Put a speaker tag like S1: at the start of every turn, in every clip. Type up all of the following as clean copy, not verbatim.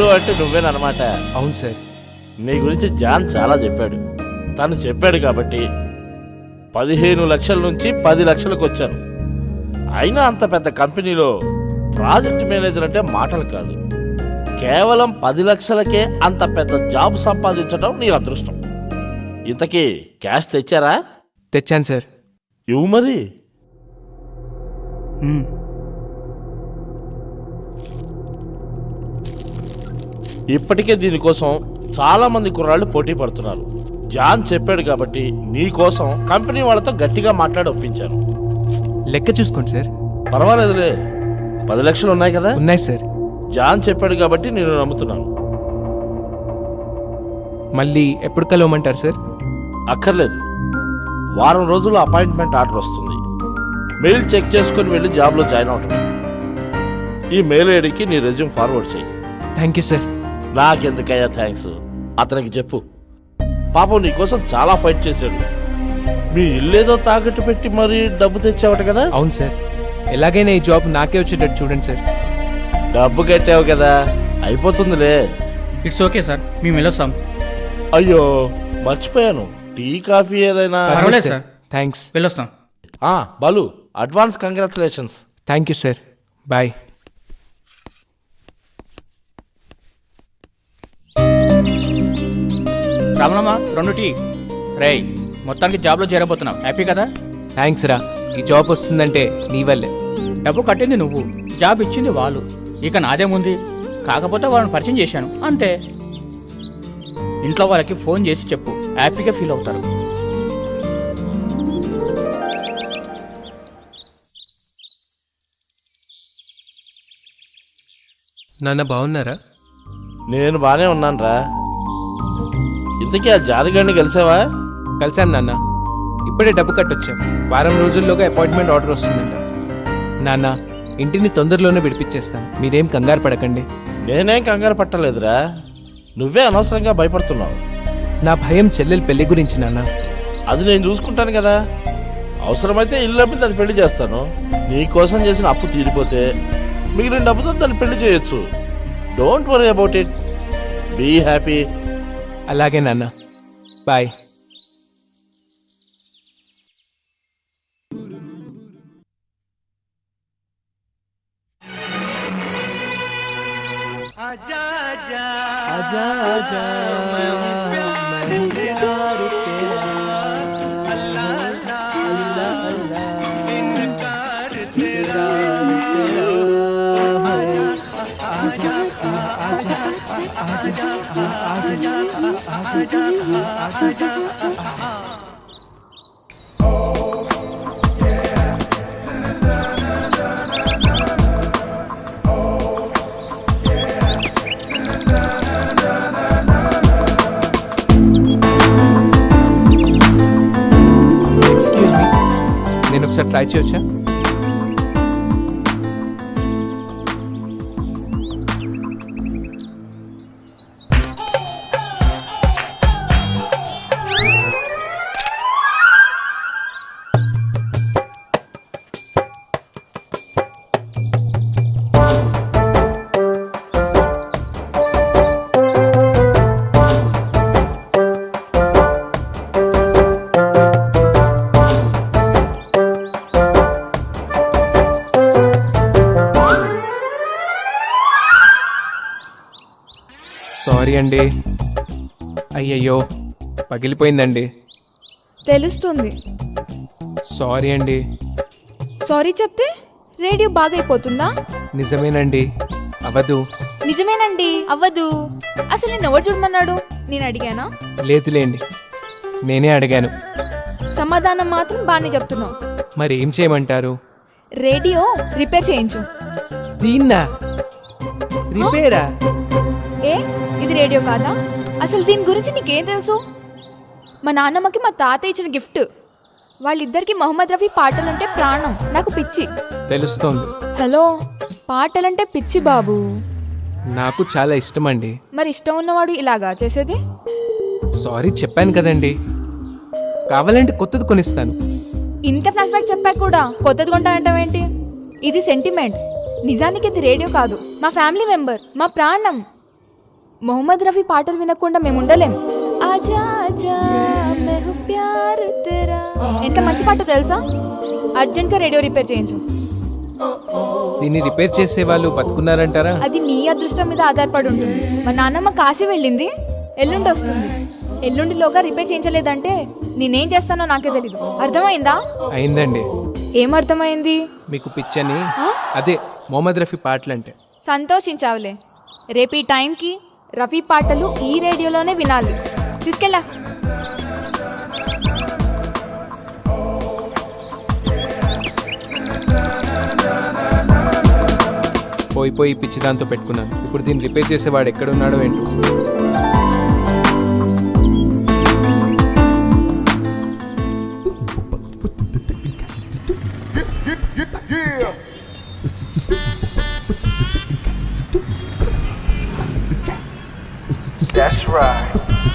S1: బాలు అంటే నువ్వేనమాట.
S2: అవును సార్.
S1: నీ గురించి జాన్ చాలా చెప్పాడు. తను చెప్పాడు కాబట్టి 15 లక్షల నుంచి 10 లక్షలకు వచ్చాను. అయినా అంత పెద్ద కంపెనీలో ప్రాజెక్ట్ మేనేజర్ అంటే మాటలు కాదు. కేవలం 10 లక్షలకే అంత పెద్ద జాబ్ సంపాదించడం నీ అదృష్టం. ఇంతకీ క్యాష్ తెచ్చారా?
S2: తెచ్చాను సార్.
S1: ఇవ్వు మరి. ఇప్పటికే దీనికోసం చాలా మంది కుర్రాళ్ళు పోటీ పడుతున్నారు. జాన్ చెప్పాడు కాబట్టి నీ కోసం కంపెనీ వాళ్ళతో గట్టిగా మాట్లాడి ఒప్పించాను.
S2: లెక్క చూసుకోండి సార్.
S1: పర్వాలేదులే, 10 లక్షలు ఉన్నాయి కదా.
S2: ఉన్నాయి సార్.
S1: జాన్ చెప్పాడు కాబట్టి నేను నమ్ముతున్నాను.
S2: మళ్ళీ ఎప్పుడు కలవమంటారు సార్?
S1: అక్కర్లేదు, వారం రోజుల్లో అపాయింట్మెంట్ ఆర్డర్ వస్తుంది. మెయిల్ చెక్ చేసుకుని వెళ్ళి జాబ్లో జాయిన్ అవటం. ఈ మెయిల్ ఐడికి నీ రెజ్యూమ్ ఫార్వర్డ్ చేయి.
S2: Thank you sir.
S1: నాకెందుకయ్యా థ్యాంక్స్, అతనికి చెప్పు. పాపం నీకోసం చాలా ఫైట్ చేశాడు. మీ ఇల్లేదో తాకట్టు పెట్టి మరీ డబ్బు తెచ్చావట కదా.
S2: అవును సార్. ఎలాగైనా ఈ జాబ్ నాకే వచ్చేటట్టు చూడండి సార్.
S1: డబ్బు కట్టావు కదా, అయిపోతుందిలే.
S3: ఇట్స్ ఓకే సార్, మేము వెళ్ళొస్తాం.
S1: అయ్యో మర్చిపోయాను, టీ కాఫీ ఏదైనా?
S3: పర్వాలేదు సార్.
S2: థ్యాంక్స్.
S3: వెళ్ళొస్తాం.
S1: Balu, advance congratulations.
S2: Thank you sir. Bye.
S3: Ramalamma 2 tea. రేయ్, మొత్తానికి జాబ్లో చేరబోతున్నావు, హ్యాపీ కదా?
S2: థ్యాంక్స్ రా. ఈ జాబ్ వస్తుందంటే నీ వల్లే.
S3: డబ్బు కట్టింది నువ్వు, జాబ్ ఇచ్చింది వాళ్ళు. ఇక నాదేముంది, కాకపోతే వాళ్ళని పరిచయం చేశాను అంతే. ఇంట్లో వాళ్ళకి ఫోన్ చేసి చెప్పు, హ్యాపీగా ఫీల్ అవుతారు.
S2: నాన్న బాగున్నారా?
S1: నేను బానే ఉన్నాను రా. ఇంతకీ ఆ జారిగాడిని కలిసావా?
S2: కలిసాను నాన్న. ఇప్పుడే డబ్బు కట్టొచ్చాం. వారం రోజుల్లోగా అపాయింట్మెంట్ ఆర్డర్ వస్తుందంట. నాన్న, ఇంటిని తొందరలోనే విడిపించేస్తాను, మీరేం కంగారు పడకండి.
S1: నేనేం కంగారు పట్టలేదురా, నువ్వే అనవసరంగా భయపడుతున్నావు.
S2: నా భయం చెల్లెలు పెళ్లి గురించి నాన్న.
S1: అది నేను చూసుకుంటాను కదా. అవసరమైతే ఇల్లు అమ్మి దాన్ని పెళ్లి చేస్తాను. నీ కోసం చేసిన అప్పు తీరిపోతే మిగిలిన డబ్బుతో దాన్ని పెళ్లి చేయొచ్చు. Don't worry about it, be happy.
S2: అలాగే నాన్న, బాయ్. आजा आजा मैं हूँ प्यार तेरा, अल्लाह अल्लाह अल्लाह इनकार तेरा तेरा है। आजा आजा आजा आजा आजा आजा। నేను ఒకసారి ట్రై చేయొచ్చా? సారీ అండి. అయ్యయ్యో, పగిలిపోయిందండి.
S4: తెలుస్తుంది.
S2: సారీ అండి.
S4: సారీ చెప్తే రేడియో బాగైపోతుందా?
S2: నిజమేనండి, అవ్వదు.
S4: నిజమేనండి, అవ్వదు. అసలు నేను ఎవరు చూడమన్నాడు? నేను అడిగానా?
S2: లేదులేండి, నేనే అడిగాను.
S4: సమాధానం మాత్రం బాగానే చెప్తున్నావు.
S2: మరి ఏం చేయమంటారు?
S4: రేడియో రిపేర్ చేయించు.
S2: దీన్నా రిపేరా?
S4: ఏ, ఇది రేడియో కాదా? అసలు దీని గురించి నీకేం తెలుసు? మా నాన్నమ్మకి మా తాత ఇచ్చిన గిఫ్ట్. వాళ్ళిద్దరికి మొహమ్మద్ రఫీ పాటలంటే ప్రాణం. నాకు పిచ్చి.
S2: తెలుస్తోంది.
S4: హలో, పాటలంటే పిచ్చి బాబు.
S2: నాకు చాలా ఇష్టం అండి.
S4: మరి ఇష్టం ఉన్నవాడు ఇలాగా చేసేది?
S2: సారీ చెప్పాను కదండి, కావాలంటే కొత్తది కొనిస్తాను.
S4: ఇంత ఫ్లాష్ బ్యాక్ చెప్పాక కూడా కొత్తది కొంటానంటావేంటి? ఇది సెంటిమెంట్. నిజానికి ఇది రేడియో కాదు, మా ఫ్యామిలీ మెంబర్, మా ప్రాణం. మొహమ్మద్ రఫీ పాటలు వినకుండా మేము ఉండలేం. ఆజా ఆజా మే హూ ప్యార్ తెరా. ఎంత మంచి పాట తెలుసా? అర్జెంట్గా రేడియో రిపేర్ చేయించు.
S2: దీన్ని రిపేర్ చేసే వాళ్ళు బతుకున్నారంటారా?
S4: అది నీ అదృష్టం మీద ఆధారపడి ఉంటుంది. మా నాన్నమ్మ కాశీ వెళ్ళింది, ఎల్లుండి వస్తుంది. ఎల్లుండిలోగా రిపేర్ చేయించలేదంటే నేనేం చేస్తానో నాకే తెలీదు. అర్థమైందా?
S2: అయిందండి.
S4: ఏం అర్థమైంది?
S2: మీకు పిచ్చని అదే మొహమ్మద్ రఫీ పాటలు అంటే.
S4: సంతోషించావులే. రేపు ఈ టైంకి రఫీ పాటలు ఈ రేడియోలోనే వినాలి. తీసుకెళ్ళా.
S2: పోయి పిచ్చి దాంతో పెట్టుకున్నాను. ఇప్పుడు దీన్ని రిపేర్ చేసేవాడు ఎక్కడున్నాడో ఏంటో.
S5: That's right.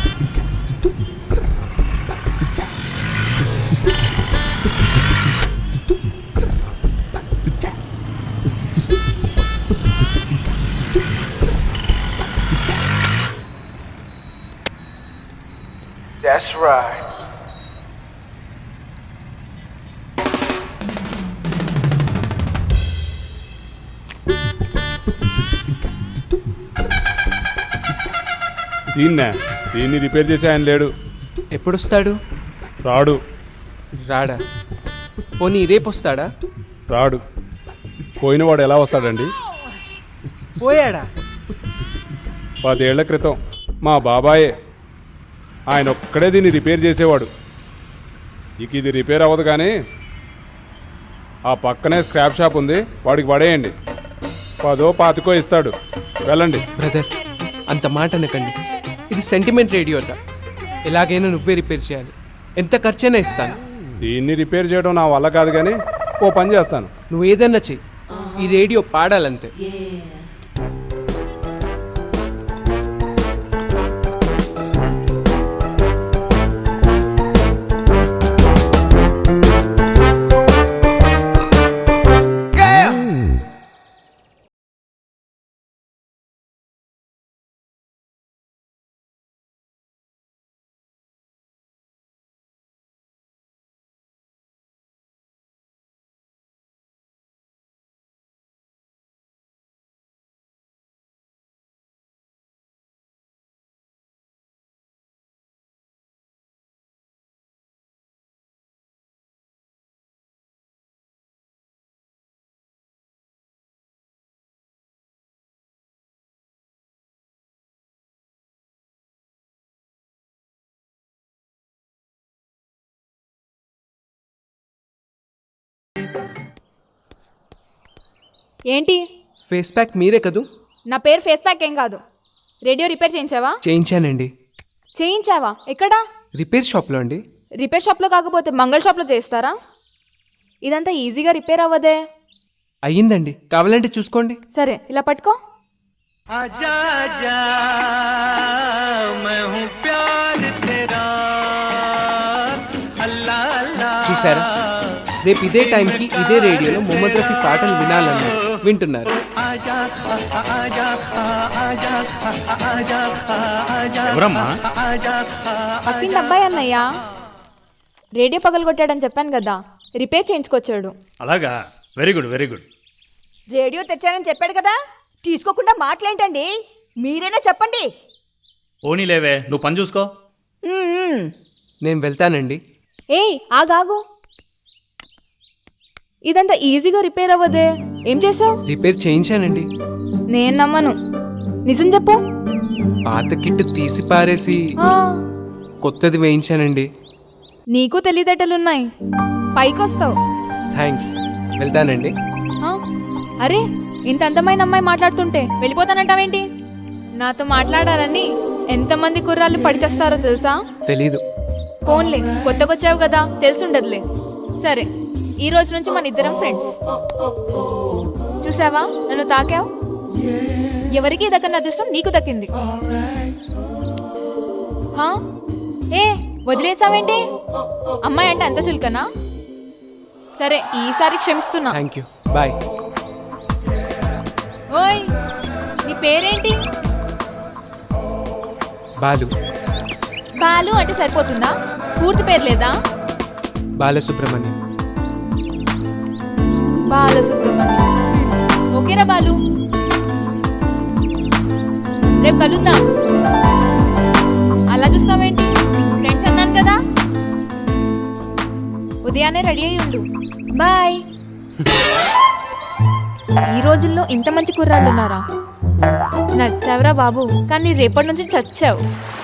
S5: That's right.
S6: దీన్ని రిపేర్ చేసే ఆయన లేడు.
S2: ఎప్పుడొస్తాడు?
S6: రాడు.
S2: రాడా? పోనీ రేపు వస్తాడా?
S6: రాడు. పోయినవాడు ఎలా వస్తాడండి?
S2: పోయాడా?
S6: 10 ఏళ్ల క్రితం మా బాబాయే. ఆయన ఒక్కడే దీన్ని రిపేర్ చేసేవాడు. ఇక ఇది రిపేర్ అవ్వదు కానీ ఆ పక్కనే స్క్రాప్ షాప్ ఉంది, వాడికి పడేయండి. 10 25 ఇస్తాడు. వెళ్ళండి.
S2: బ్రదర్, అంత మాట అనకండి. ఇది సెంటిమెంట్ రేడియోట. ఎలాగైనా నువ్వే రిపేర్ చేయాలి. ఎంత ఖర్చైనా ఇస్తాను.
S6: దీన్ని రిపేర్ చేయడం నా వల్ల కాదు కానీ ఓ పని చేస్తాను.
S2: నువ్వు ఏదన్నా చెయ్యి, ఈ రేడియో పాడాలంతే.
S4: ఏంటి?
S2: ఫేస్ ప్యాక్ మీరే కదూ?
S4: నా పేరు ఫేస్ ప్యాక్ ఏం కాదు. రేడియో రిపేర్ చేయించావా?
S2: చేయించానండి.
S4: చేయించావా? ఎక్కడా?
S2: రిపేర్ షాప్లో అండి.
S4: రిపేర్ షాప్లో కాకపోతే మంగళ షాప్లో చేస్తారా? ఇదంతా ఈజీగా రిపేర్ అవ్వదే.
S2: అయ్యిందండి, కావాలంటే చూసుకోండి.
S4: సరే, ఇలా పట్టుకో.
S2: చూసారా? రేపు ఇదే టైంకి ఇదే రేడియోలో మొహమ్మద్ రఫీ పాటలు వినాలన్నారు. వింటున్నారు.
S3: ఎవరమ్మా?
S4: పక్కింటి అబ్బాయి అన్నయ్య. రేడియో పగలగొట్టాడని చెప్పాను కదా, రిపేర్ చేయించుకొచ్చాడు.
S3: అలాగా? Very good, very good.
S7: Radio తెచ్చానని చెప్పాడు కదా, తీసుకోకుండా మాటలేంటండి? మీరైనా చెప్పండి.
S3: పోనీలేవే, నువ్వు పని చూసుకో.
S2: నేను వెళ్తానండి.
S4: ఏయ్, ఆగాగు. ఇదంతా ఈజీగా రిపేర్ అవ్వదే. ఏం చేసావు?
S2: రిపేర్ చేయించానండి.
S4: నేను నమ్మను. నిజం చెప్పు.
S2: పాత కిట్ తీసి పారేసి
S4: ఆ,
S2: కొత్తది వేయించానండి.
S4: నీకు తెలివితేటలున్నాయి. పైకొస్తావు.
S2: థ్యాంక్స్. వెళ్తానండి.
S4: ఆ, అరే, ఇంత అందమైన అమ్మాయి మాట్లాడుతుంటే వెళ్ళిపోతానంటావేంటి? నాతో మాట్లాడాలని ఎంతమంది కుర్రాళ్ళు పడిచేస్తారో తెలుసా?
S2: తెలీదు.
S4: ఫోన్లే, కొత్తకొచ్చావు కదా, తెలుసుండదులే. సరే, ఈ రోజు నుంచి మన ఇద్దరం ఫ్రెండ్స్. చూసావా, నన్ను తాకావు. ఎవరికి దక్కని అదృష్టం నీకు దక్కింది. హా? ఏ, వదిలేసావేంటి? అమ్మాయి అంటే అంత చులకనా? సరే, ఈసారి క్షమిస్తున్నా.
S2: Thank you. బాయ్.
S4: ఓయ్, నీ పేరేంటి?
S2: బాలు.
S4: బాలు అంటే సరిపోతుందా? పూర్తి పేరు లేదా?
S2: బాలసుబ్రహ్మణ్యం.
S4: బాలసుబ్రహ్మణ్యం. ఓకేరా బాలు, రేపు కలుద్దాం. అలా చూస్తావేంటి? ఫ్రెండ్స్ అన్నాను కదా. ఉదయాన్నే రెడీ అయి ఉండు. బాయ్. ఈ రోజుల్లో ఇంత మంచి కుర్రాళ్ళు ఉన్నారా? నచ్చావురా బాబు, కానీ రేపటి నుంచి చచ్చావు.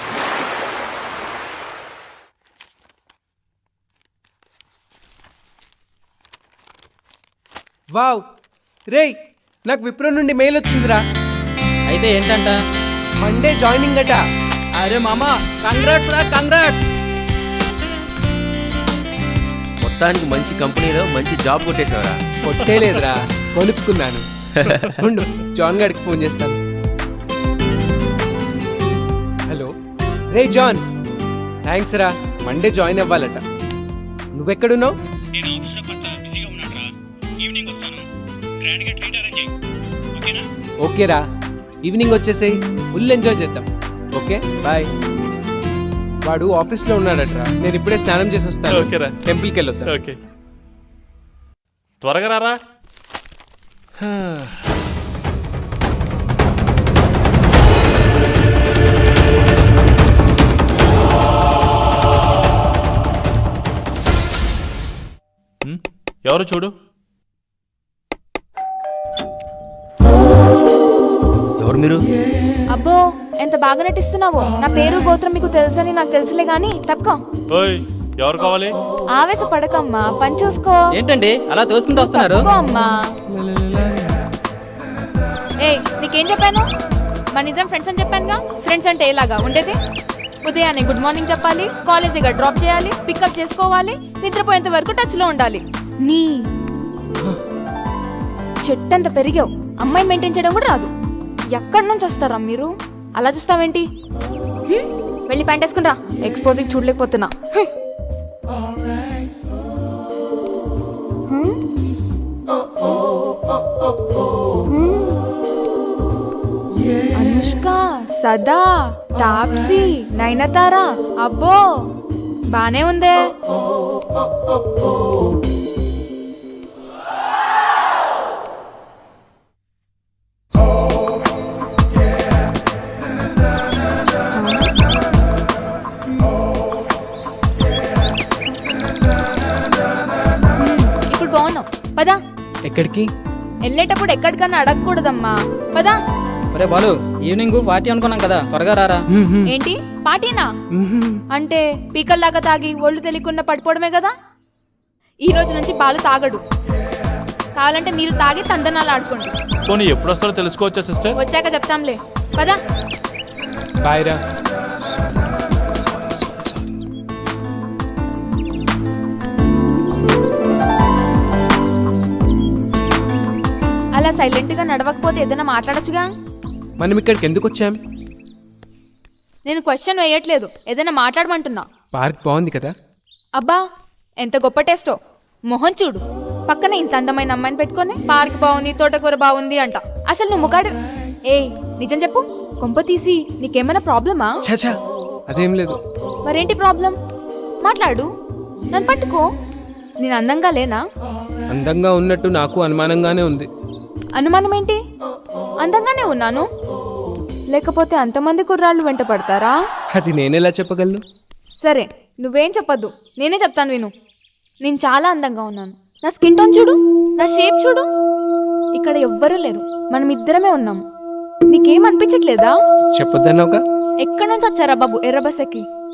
S2: వావ్ రేయ్, నాకు విప్రో నుండి మెయిల్ వచ్చిందిరా.
S3: అయితే ఏంటంట?
S2: మండే జాయినింగ్ అట.
S3: అరే మామా, కంగ్రాట్స్ రా, కంగ్రాట్స్.
S8: మొత్తానికి మంచి కంపెనీలో మంచి జాబ్ కొట్టేశావరా.
S2: కొట్టేలేదురా, కొనుక్కున్నాను. ఉండు, జాన్ గారికి ఫోన్ చేస్తాను. హలో రే జాన్, థ్యాంక్స్ రా, మండే జాయిన్ అవ్వాలట. నువ్వెక్కడున్నావు? ఓకేరా, ఈవినింగ్ వచ్చేసేయ్, ఫుల్ ఎంజాయ్ చేద్దాం. Okay bye. వాడు ఆఫీస్లో ఉన్నాడట్రా, నేను ఇప్పుడే స్నానం చేసి వస్తాను.
S1: ఓకేరా.
S2: టెంపుల్కి వెళ్ళొద్దాం.
S1: ఓకే, త్వరగా రారా. ఎవరు చూడు.
S8: ఎవరు మీరు?
S4: అబ్బో, ఎంత బాగా నటిస్తున్నావో. నా పేరు గోత్రం మీకు తెలుసని నాకు తెలుసులే గాని తప్పుకో.
S1: ఓయ్, ఎవరు కావాలి?
S4: ఆవేశపడకమ్మా, పని చూసుకో.
S3: ఏంటండి అలా తోసుకుంటూ వస్తున్నారు?
S4: తప్పుకో అమ్మా. ఏయ్, నీకేం చెప్పాను? మన ఇద్దరం ఫ్రెండ్స్ అని చెప్పానుగా. ఫ్రెండ్స్ అంటే ఎలాగా ఉండేది? ఉదయాన్నే గుడ్ మార్నింగ్ చెప్పాలి, కాలేజ్ దగ్గర డ్రాప్ చేయాలి, పికప్ చేసుకోవాలి, నిద్రపోయేంత వరకు టచ్ లో ఉండాలి. నీ చెట్టంత పెరిగావు, అమ్మాయిని మెయింటైన్ చేయడం కూడా రాదు. ఎక్కడి నుంచి వస్తారా మీరు? అలా చూస్తావేంటి? వెళ్ళి ప్యాంట్ వేసుకుని రా, ఎక్స్పోజింగ్ చూడలేకపోతున్నా. అనుష్క, సదా, తాప్సీ, నయనతార. అబ్బో, బానే ఉందే. ఇప్పుడు బాగున్నావు, పదా.
S2: ఎక్కడికి?
S4: వెళ్ళేటప్పుడు ఎక్కడికన్నా అడగకూడదమ్మా, పదా.
S3: అరే బాలు, ఈవినింగ్ పార్టీ అనుకున్నాం కదా, త్వరగా రారా.
S4: ఏంటి పార్టీనా? అంటే పీకల్లాగా తాగి ఒళ్ళు తెలియకుండా పడిపోవడమే కదా. ఈ రోజు నుంచి బాలు తాగడు. కావాలంటే మీరు తాగి తందనాలు ఆడుకోండి.
S1: పోనీ ఎప్పుడు వస్తారో తెలుసుకోవచ్చా సిస్టర్?
S4: వచ్చాక చెప్తాంలే, పదా.
S2: బాయ్ రా.
S4: అలా సైలెంట్ గా నడవకపోతే ఏదైనా మాట్లాడొచ్చుగా.
S2: మనం ఇక్కడికి ఎందుకు వచ్చాం?
S4: నేను క్వశ్చన్ వేయట్లేదు, ఏదైనా మాట్లాడమంటున్నా.
S2: పార్క్ బాగుంది కదా.
S4: అబ్బా, ఎంత గొప్ప టేస్టో. మొహం చూడు, పక్కన ఇంత అందమైన అమ్మాయిని పెట్టుకొని పార్క్ బాగుంది, తోటకూర బాగుంది అంట. అసలు నువ్వు ముఖాడు. ఏయ్, నిజం చెప్పు, కొంప తీసి నీకేమైనా ప్రాబ్లమా?
S2: చచా, అదేం లేదు.
S4: మరేంటి ప్రాబ్లం? మాట్లాడు, నన్ను పట్టుకో. నేను అందంగా లేనా?
S2: అందంగా ఉన్నట్టు నాకు అనుమానంగానే ఉంది.
S4: అనుమానం ఏంటి? అందంగానే ఉన్నాను. లేకపోతే అంతమంది కుర్రాళ్ళు వెంట పడతారా?
S2: అది నేనెలా చెప్పగలను?
S4: సరే, నువ్వేం చెప్పద్దు, నేనే చెప్తాను విను. నేను చాలా అందంగా ఉన్నాను. నా స్కిన్ టోన్ చూడు, నా షేప్ చూడు. ఇక్కడ ఎవ్వరూ లేరు, మనం ఇద్దరమే ఉన్నాము. నీకేం అనిపించట్లేదా?
S2: చెప్పొద్దన్నావుగా.
S4: ఎక్కడి నుంచి వచ్చారా బాబు ఎర్ర బస్ ఎక్కి?